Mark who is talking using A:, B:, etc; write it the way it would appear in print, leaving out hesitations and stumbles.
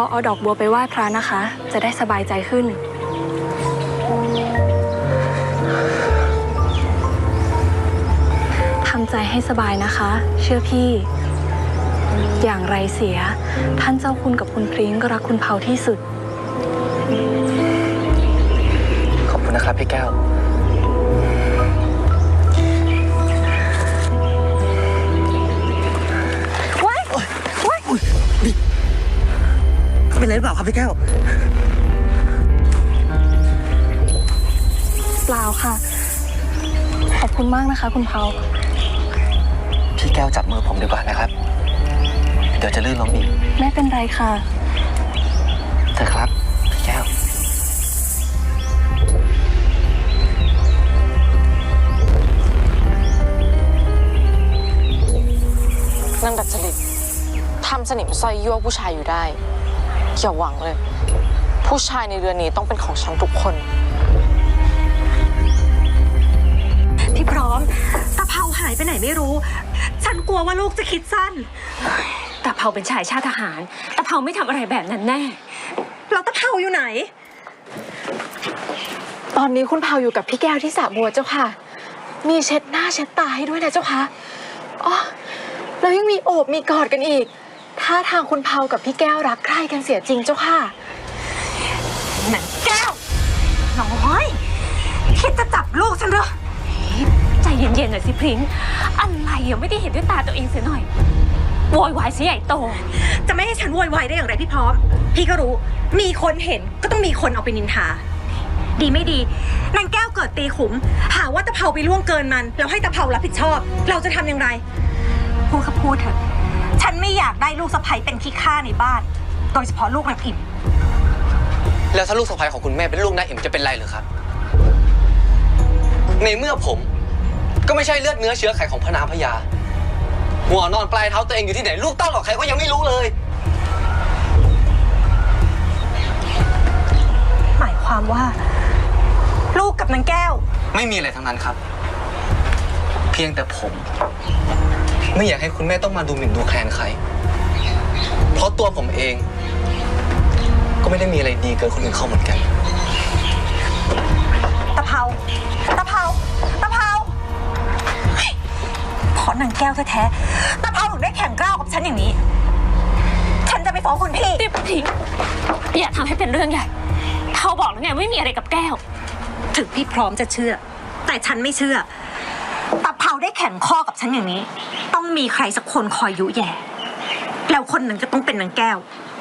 A: าเอาดอกบัวไปไหว้พระนะคะ จะได้สบายใจขึ้นทำใจให้สบายนะคะ เชื่อพี่ อย่างไรเสียท่านเจ้าคุณกับคุณพริ้งก็รักคุณเผาที่สุด
B: ขอบคุณนะครับพี่แก้ว
C: ว้ายว้ายเป็นไรหรือเปล่าครับพี่แก้ว
A: เปล่าค่ะขอบคุณมากนะคะคุณเผา
B: พี่แก้วจับมือผมดีกว่านะครับเดี๋ยวจะลื่นล้มอีก
A: ไม่เป็นไรค่ะ
B: เถอะครับพี่แก้ว
D: นางดัดจริตทำสนิมสร้อยยั่วผู้ชายอยู่ได้อย่าหวังเลยผู้ชายในเรือนนี้ต้องเป็นของฉันทุกคน
E: พี่พร้อมตะเภาหายไปไหนไม่รู้ฉันกลัวว่าลูกจะคิดสั้น
F: ตะเภาเป็นชายชาติทหารตะเภาไม่ทำอะไรแบบนั้นแน่
E: แล้วตะเภาอยู่ไหน
D: ตอนนี้คุณเผาอยู่กับพี่แก้วที่สระบัวเจ้าค่ะมีเช็ดหน้าเช็ดตาให้ด้วยนะเจ้าค่ะอ๋อแล้วยังมีโอบมีกอดกันอีกท่าทางคุณเผากับพี่แก้วรักใคร่กันเสียจริงเจ้าค่ะ
E: หนังแก้วน้อยคิดจะจับลูกฉันเหรอ
F: ใจเย็นๆหน่อยสิพริ้งอะไรยังไม่ได้เห็นด้วยตาตัวเองเสียหน่อยโวยวายเสียใหญ่โต
E: จะไม่ให้ฉันโวยวายได้อย่างไรพี่พร้อมพี่ก็รู้มีคนเห็นก็ต้องมีคนเอาไปนินทาดีไม่ดีนางแก้วเกิดตีขุมหาว่าตะเภาไปล่วงเกินมันแล้วให้ตะเภารับผิดชอบเราจะทำอย่างไรพูดก็พูดเถอะฉันไม่อยากได้ลูกสะใภ้เป็นขี้ข้าในบ้านโดยเฉพาะลูกนางอิ่ม
B: แล้วถ้าลูกสะใภ้ของคุณแม่เป็นลูกนางอิ่มจะเป็นไรหรือครับในเมื่อผมก็ไม่ใช่เลือดเนื้อเชื้อไขของพระนางพญาหัวนอนปลายเท้าตัวเองอยู่ที่ไหนลูกเต้าหรอกใครก็ยังไม่รู้เลย
E: หมายความว่าลูกกับนางแก้ว
B: ไม่มีอะไรทั้งนั้นครับเพียงแต่ผมไม่อยากให้คุณแม่ต้องมาดูหมิ่นดูแคลนใครเพราะตัวผมเองก็ไม่ได้มีอะไรดีเกินคนอื่นเขาเหมือนกัน
E: ตะเภาเพราะนางแก้วแท้ๆตะเภาถึงได้แข่งกล้าวกับฉันอย่างนี้ฉันจะไปฟ้องคุณพี่
F: ติ๊บทิ้งอย่าทำให้เป็นเรื่องใหญ่เขาบอกแล้วไงไม่มีอะไรกับแก้ว
E: ถึงพี่พร้อมจะเชื่อแต่ฉันไม่เชื่อตะเภาได้แข่งข้อกับฉันอย่างนี้ต้องมีใครสักคนคอยยุแย่แล้วคนนั้นก็ต้องเป็นนางแก้ว